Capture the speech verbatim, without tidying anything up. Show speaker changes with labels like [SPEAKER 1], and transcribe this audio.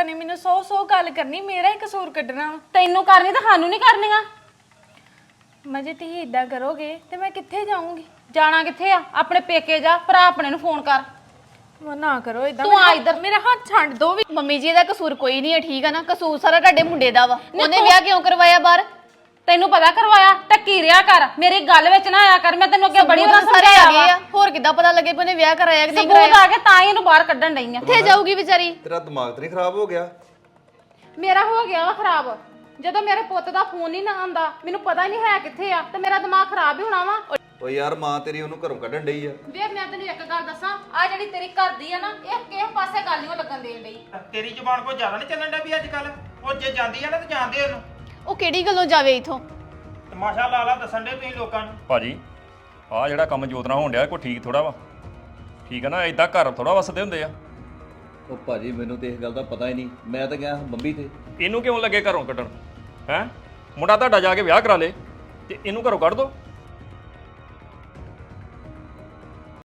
[SPEAKER 1] ਨੇ ਮੈਨੂੰ ਸੌ ਸੌ ਗੱਲ ਕਰਨੀ, ਮੇਰਾ ਹੀ ਕਸੂਰ ਕੱਢਣਾ।
[SPEAKER 2] ਤੈਨੂੰ ਕਰਨੀ ਤਾਂ ਸਾਨੂੰ ਨਹੀਂ ਕਰਨੀਆਂ।
[SPEAKER 1] ਮੈਂ ਜੇ ਤੁਸੀਂ ਇਦਾਂ ਕਰੋਗੇ ਤੇ ਮੈਂ ਕਿੱਥੇ ਜਾਊਂਗੀ?
[SPEAKER 2] ਜਾਣਾ ਕਿੱਥੇ ਆ? ਆਪਣੇ ਪੇਕੇ ਜਾ, ਭਰਾ ਆਪਣੇ ਨੂੰ ਫੋਨ ਕਰ।
[SPEAKER 1] ਮੈਂ ਨਾ ਕਰੋ ਇਦਾਂ,
[SPEAKER 2] ਤੂੰ ਆ ਇੱਧਰ।
[SPEAKER 1] ਮੇਰਾ ਹੱਥ ਛੱਡ ਦੋ ਵੀ।
[SPEAKER 3] ਮੰਮੀ ਜੀ ਦਾ ਕਸੂਰ ਕੋਈ ਨਹੀਂ ਹੈ, ਠੀਕ ਆ ਨਾ? ਕਸੂਰ ਸਾਰਾ ਤੁਹਾਡੇ ਮੁੰਡੇ ਦਾ ਵਾ। ਉਹਨੇ ਵਿਆਹ ਕਿਉਂ ਕਰਵਾਇਆ ਬਾਹਰ?
[SPEAKER 2] ਤੈਨੂੰ ਪਤਾ ਕਰਵਾਇਆ? ਟੱਕੀ ਰਿਆ ਕਰ, ਮੇਰੀ ਗੱਲ ਵਿੱਚ ਨਾ ਆਇਆ ਕਰ। ਮੈਂ ਤੈਨੂੰ ਅੱਗੇ ਬੜੀ ਵਾਰ
[SPEAKER 3] ਸਾਰੇ
[SPEAKER 2] ਸਮਝਾਇਆ
[SPEAKER 3] ਆ ਗਏ
[SPEAKER 2] ਵਾ।
[SPEAKER 3] ਆ, ਹੋਰ ਕਿੱਦਾਂ ਪਤਾ ਲੱਗੇ ਕਿ ਉਹਨੇ ਵਿਆਹ ਕਰਾਇਆ ਕਿ ਨਹੀਂ
[SPEAKER 2] ਸਬੂਤ
[SPEAKER 3] ਕਰਾਇਆ?
[SPEAKER 2] ਆ ਕੇ ਤਾਂ ਹੀ ਇਹਨੂੰ ਬਾਹਰ ਕੱਢਣ ਡਈ ਆ।
[SPEAKER 3] ਕਿੱਥੇ ਜਾਊਗੀ ਵਿਚਾਰੀ?
[SPEAKER 4] ਤੇਰਾ ਦਿਮਾਗ ਤੇ ਨਹੀਂ ਖਰਾਬ ਹੋ ਗਿਆ?
[SPEAKER 2] ਮੇਰਾ ਹੋ ਗਿਆ ਵਾ ਖਰਾਬ। ਜਦੋਂ ਮੇਰੇ ਪੁੱਤ ਦਾ ਫੋਨ ਹੀ ਨਾ ਆਉਂਦਾ, ਮੈਨੂੰ ਪਤਾ ਹੀ ਨਹੀਂ ਹੈ ਕਿੱਥੇ ਆ, ਤੇ ਮੇਰਾ ਦਿਮਾਗ ਖਰਾਬ ਹੀ ਹੋਣਾ ਵਾ।
[SPEAKER 4] ਓ ਯਾਰ ਮਾਂ ਤੇਰੀ ਉਹਨੂੰ ਘਰੋਂ ਕੱਢਣ ਡਈ ਆ।
[SPEAKER 2] ਵੇ ਮੈਂ ਤੈਨੂੰ ਇੱਕ ਗੱਲ ਦੱਸਾਂ, ਆ ਜਿਹੜੀ ਤੇਰੀ ਘਰ ਦੀ ਆ ਨਾ, ਇਹ ਕਿਸੇ ਪਾਸੇ ਗੱਲ ਨਹੀਂ ਲੱਗਣ ਦੇਣ ਡਈ।
[SPEAKER 5] ਤੇਰੀ ਜ਼ੁਬਾਨ ਕੋਈ ਜ਼ਿਆਦਾ ਨਹੀਂ ਚੱਲਣ ਡਿਆ ਵੀ ਅੱਜ ਕੱਲ? ਉਹ ਜੇ ਜਾਂਦੀ ਆ ਨਾ ਤੇ ਜਾਣਦੇ ਉਹਨੂੰ।
[SPEAKER 3] ਉਹ ਕਿਹੜੀ ਗੱਲੋਂ ਜਾਵੇ ਇਥੋਂ?
[SPEAKER 5] ਤਮਾਸ਼ਾ ਲਾ ਲਾ ਦੱਸਣ ਦੇ ਤੁਸੀਂ ਲੋਕਾਂ ਨੂੰ।
[SPEAKER 6] ਭਾਜੀ ਆਹ ਜਿਹੜਾ ਕੰਮ ਜੋਤ ਨਾਲ ਹੋਣ ਡਿਆ ਕੋਈ ਠੀਕ ਥੋੜਾ ਵਾ। ਠੀਕ ਆ ਨਾ? ਇਦਾਂ ਘਰ ਥੋੜਾ ਵਸਦੇ ਹੁੰਦੇ ਆ।
[SPEAKER 4] ਉਹ ਭਾਜੀ ਮੈਨੂੰ ਤੇ ਇਸ ਗੱਲ ਦਾ ਪਤਾ ਹੀ ਨਹੀਂ, ਮੈਂ ਤਾਂ ਗਿਆ ਬੰਬੀ ਤੇ।
[SPEAKER 6] ਇਹਨੂੰ ਕਿਉਂ ਲੱਗੇ ਘਰੋਂ ਕੱਢਣ? ਹੈ ਮੁੰਡਾ ਤੁਹਾਡਾ ਜਾ ਕੇ ਵਿਆਹ ਕਰਾ ਲੇ ਤੇ ਇਹਨੂੰ ਘਰੋਂ ਕੱਢ ਦੋ।